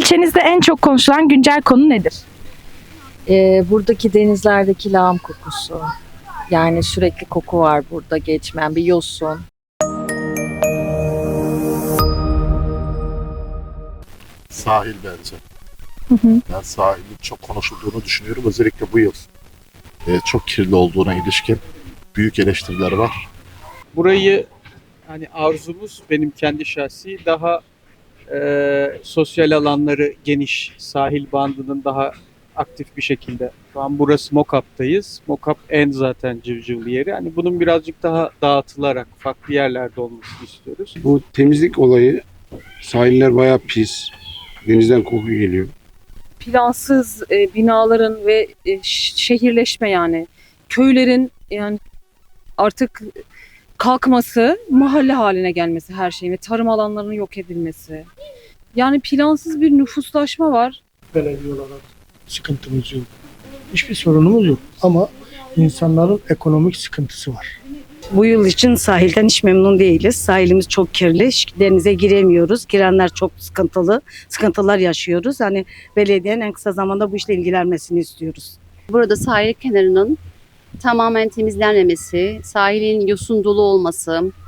İlçenizde en çok konuşulan güncel konu nedir? Buradaki denizlerdeki lağım kokusu. Yani sürekli koku var burada geçmeyen bir yosun. Sahil bence. Ben sahilin çok konuşulduğunu düşünüyorum. Özellikle bu yıl çok kirli olduğuna ilişkin büyük eleştiriler var. Burayı hani arzumuz benim kendi şahsi daha sosyal alanları geniş, sahil bandının daha aktif bir şekilde. Şu an burası Mokap'tayız. Mokap en zaten civcivli yeri. Hani bunun birazcık daha dağıtılarak farklı yerlerde olmasını istiyoruz. Bu temizlik olayı, sahiller bayağı pis. Denizden koku geliyor. Plansız binaların ve şehirleşme, yani köylerin yani artık kalkması, mahalle haline gelmesi her şeyin ve tarım alanlarının yok edilmesi. Yani plansız bir nüfuslaşma var. Belediye olarak sıkıntımız yok. Hiçbir sorunumuz yok ama insanların ekonomik sıkıntısı var. Bu yıl için sahilden hiç memnun değiliz. Sahilimiz çok kirli. Denize giremiyoruz. Girenler çok sıkıntılı. Sıkıntılar yaşıyoruz. Hani belediyenin en kısa zamanda bu işle ilgilenmesini istiyoruz. Burada sahil kenarının tamamen temizlenmemesi, sahilin yosun dolu olması,